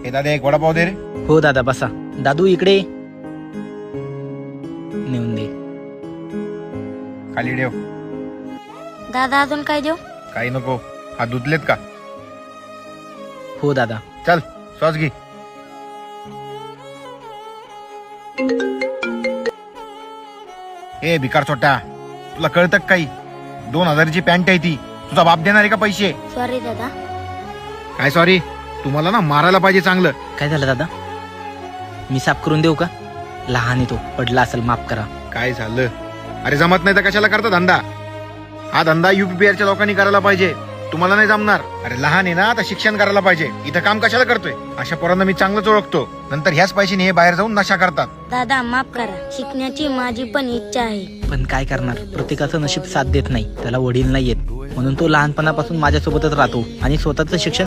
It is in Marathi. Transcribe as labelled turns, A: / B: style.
A: हे दादा एक वडापाव दे रे.
B: हो दादा बसा. दादू इकडे ये. नेऊन दे.
A: खाली ठेव.
C: दादा अजून काय देऊ?
A: काही नको. हा धुतलेत का?
B: हो दादा.
A: चल सॉस घे. ए भिकार छोटा, तुला कळतं का काही? 2000ची पॅन्ट आहे ती. तुझा बाप देणार आहे का पैसे?
C: सॉरी दादा.
A: काय सॉरी? तुम्हाला ना मारायला पाहिजे चांगलं.
B: काय झालं दादा? मी साफ करून देऊ का? लहान आहे तो, पडला असेल, माफ करा.
A: काय झालं? अरे जमत नाही तर कशाला करता धंदा? हा धंदा UPBIच्या लोकांनी करायला पाहिजे. तुम्हाला नाही जमणार. अरे लहान आहे ना, आता शिक्षण करायला पाहिजे. इथं काम कशाला करतोय? अशा पोरांना मी चांगलंच ओळखतो. नंतर ह्याच पैशाने हे बाहेर जाऊन नशा करतात.
C: दादा माफ करा. शिकण्याची माझी पण इच्छा आहे.
B: पण काय करणार, प्रत्येकाचं नशीब साथ देत नाही. त्याला वडील नाही येत, म्हणून तो लहानपणापासून माझ्यासोबतच राहतो आणि स्वतःचं शिक्षण